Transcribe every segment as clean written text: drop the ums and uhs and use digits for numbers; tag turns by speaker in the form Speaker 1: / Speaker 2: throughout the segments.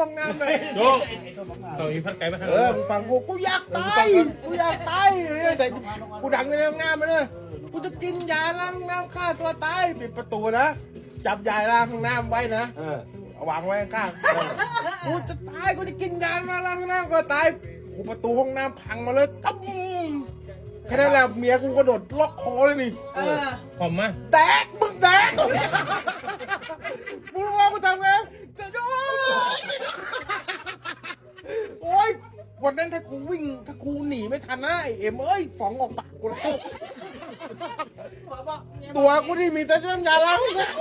Speaker 1: ห้องน้ำเลย
Speaker 2: โยกเขาอีพัดไก่มาทาง
Speaker 1: มึงฟังกูอยากตายเลยแต่กูดังในห้องน้ำมาเลยกูจะกินยาล้างน้ำฆ่าตัวตายปิดประตูนะจับยาล้างห้องน้ำไว้นะวางไว้ข้างกูจะตายกูจะกินยามาล้างห้องน้ำก็ตายกูประตูห้องน้ำพังมาเลยตั้มแค่นั้นแหละเมียกูกระโดดล็อกคอเลยนี่
Speaker 2: ผมมา
Speaker 1: แตกมึงแตกมึงว่ากูทำไงจะดูโอ๊ยวันนั้นถ้ากูหนีไม่ทันนะไอเอ็มเอ้ยฝองออกปากกูแล้วตัวกูที่มีแต่น้ำยาล้าง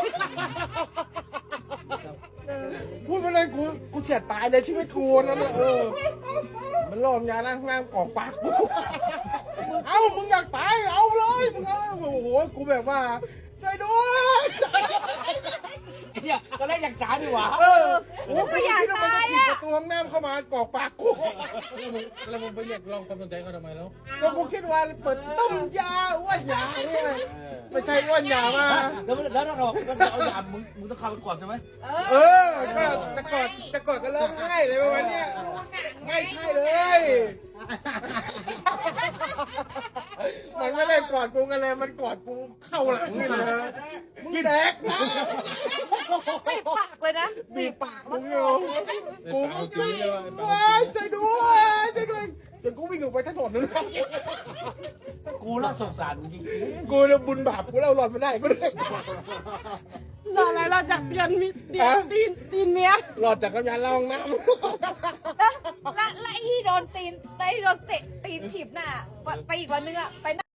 Speaker 1: พูดมาเลยกูเฉียดตายเลยชีวิตกูนั่นแหละมันล่อมยาล้างน้ำออกปากกูเอามึงอยากตายเอาเลยมึงเอาโอ้โหกูแบบว่าช่วยด้วย
Speaker 3: เนี่ยตอนแรกอยากจ๋าดีกว่า
Speaker 1: โอ้กูอยากตายอ่ะประตูห้องน้ำเข้ามากอกปากกู
Speaker 2: แล้วมึงไปเรียกร้องความสนใจเขาทำไมแล้ว
Speaker 1: ก็กูคิดว่าเปิดต้มยาอ้วนยาเนี่ยไม่ใช่อ้วนยามา
Speaker 3: แล้วเราบอกก็จะเอายามึงต้องเข้าไปก่อนใช่ไหม
Speaker 1: ก็แต่กอดก็เริ่มง่ายเลยวันนี้ไม่ใช่เลยมันไม่ได้กอดกูกันเลยมันกอดกูเข้าหลังนี่เลยมึงแดกนะ
Speaker 4: บีบปากเลยนะ
Speaker 1: บีบปากมึงอยู่กูก็ว้ายช่วยด้วยจนกูวิ่งออกไปถนนนั่น
Speaker 3: กูน่าสงสารจริง
Speaker 1: กูเนี่ยบุญบาปกูเล่าหลอดมาได้ก็ได้
Speaker 4: รออะไรรอจากเดือนตีนเมีย
Speaker 1: หลอดจากกำยันเล่าห้องน้ำ
Speaker 4: และไอ้ที่โดนตีนเตะตีนถีบหน้าไปอีกวันนึงอะไป